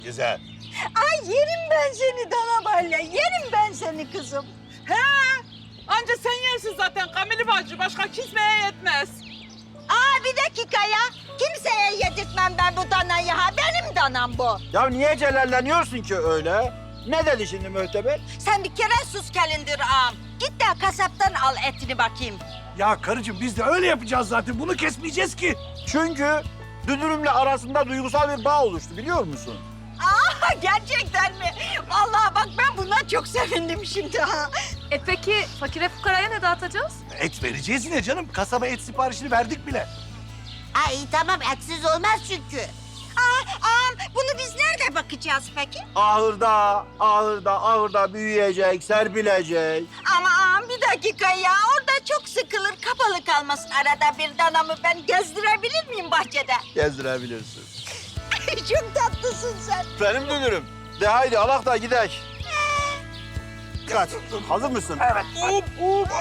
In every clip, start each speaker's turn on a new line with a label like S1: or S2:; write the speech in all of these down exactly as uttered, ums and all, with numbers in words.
S1: Güzel.
S2: Ay yerim ben seni Danabalya, yerim ben seni kızım.
S3: He, anca sen yersin zaten Kamil bacı. Başka kimseye yetmez.
S2: Aa bir dakika ya. Kimseye yedirtmem ben bu danayı ha. Benim danam bu.
S1: Ya niye celalleniyorsun ki öyle? Ne dedi şimdi mühteber?
S2: Sen bir kere sus gelindir ağam. Git de kasaptan al etini bakayım.
S4: Ya karıcığım biz de öyle yapacağız zaten. Bunu kesmeyeceğiz ki.
S1: Çünkü Dünürümle arasında duygusal bir bağ oluştu biliyor musun?
S2: Aa gerçekten mi? Vallahi bak ben buna çok sevindim şimdi ha.
S5: E peki fakire fukaraya ne dağıtacağız?
S4: Et vereceğiz yine canım. Kasaba et siparişini verdik bile.
S2: Ay tamam etsiz olmaz çünkü. Aa ağam bunu biz nerede bakacağız peki?
S1: Ahırda, ahırda, ahırda büyüyecek, serpilecek.
S2: Ama ağam bir dakika ya. Orada çok sıkılır kapalı kalmasın. Arada bir danamı ben gezdirebilir miyim bahçede?
S1: Gezdirebilirsin.
S2: Çok tatlısın sen.
S1: Benim dünürüm. De haydi alak da gidek. Kaç. Hazır mısın? Evet.
S3: Up, up.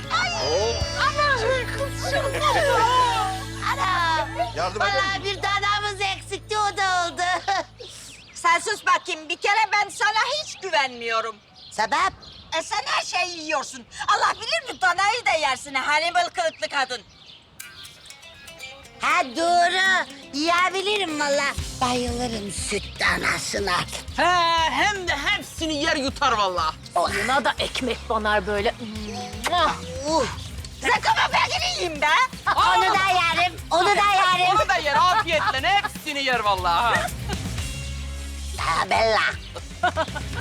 S2: Ana.
S1: Yardım eder misin?
S2: bir danamız eksikti o da oldu. Sen sus bakayım. Bir kere ben sana hiç güvenmiyorum. Sebep? E sen her şeyi yiyorsun. Allah bilir mi danayı da yersin. Hannibal kılıklı kadın. Ha doğru. Yiyebilirim valla. Bayılırım süt danasına.
S3: He, hem de hepsini yer yutar vallahi.
S5: Yanına da ekmek banar böyle.
S2: Uh. Sakama pekini yiyeyim be.
S3: Aa!
S2: Onu da yerim. Onu da yerim.
S3: Onu da yer afiyetle. Hepsini yer vallahi. ha.
S2: Ha Bella.